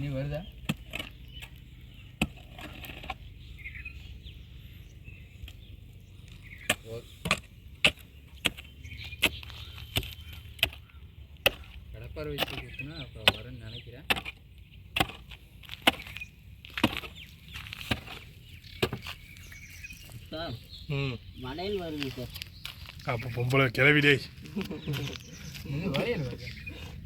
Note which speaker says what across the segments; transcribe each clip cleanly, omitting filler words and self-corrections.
Speaker 1: நீ வருதா கடப்பாரை வச்சு கொடுத்தனா அப்புறம் வரேன்னு நினைக்கிறேன்.
Speaker 2: சார் மடையில் வருது சார்.
Speaker 3: அப்போ பொம்பளை கிளவிடே
Speaker 1: வரையல் வருது.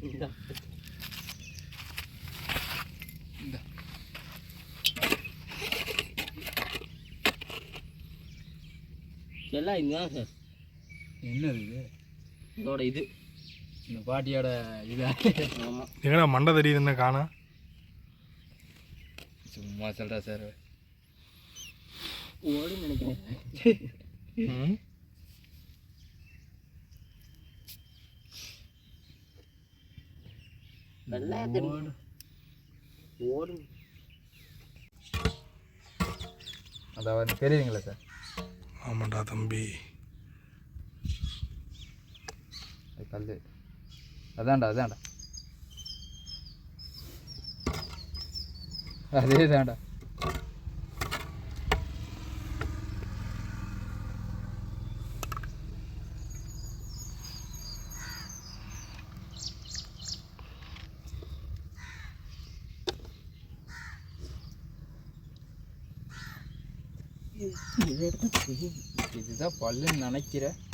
Speaker 2: எல்லாம் இதுதான் சார்.
Speaker 1: என்னது இது?
Speaker 2: இதோட இது
Speaker 1: இந்த பாட்டியோட இதா?
Speaker 2: ஆமாம்.
Speaker 3: எங்கடா மண்டை தெரியுது என்ன காணா?
Speaker 1: சும்மா சொல்கிறா சார்.
Speaker 2: ஓடுன்னு நினைக்கிறேன். ஓடும்.
Speaker 1: அதாவது தெரியுதுங்களா சார்?
Speaker 3: ஆமாண்டா தம்பி.
Speaker 1: அது கல். அதான்டா அதே தான்டா. இதுதான் பல்லுன்னு நினைக்கிறேன்.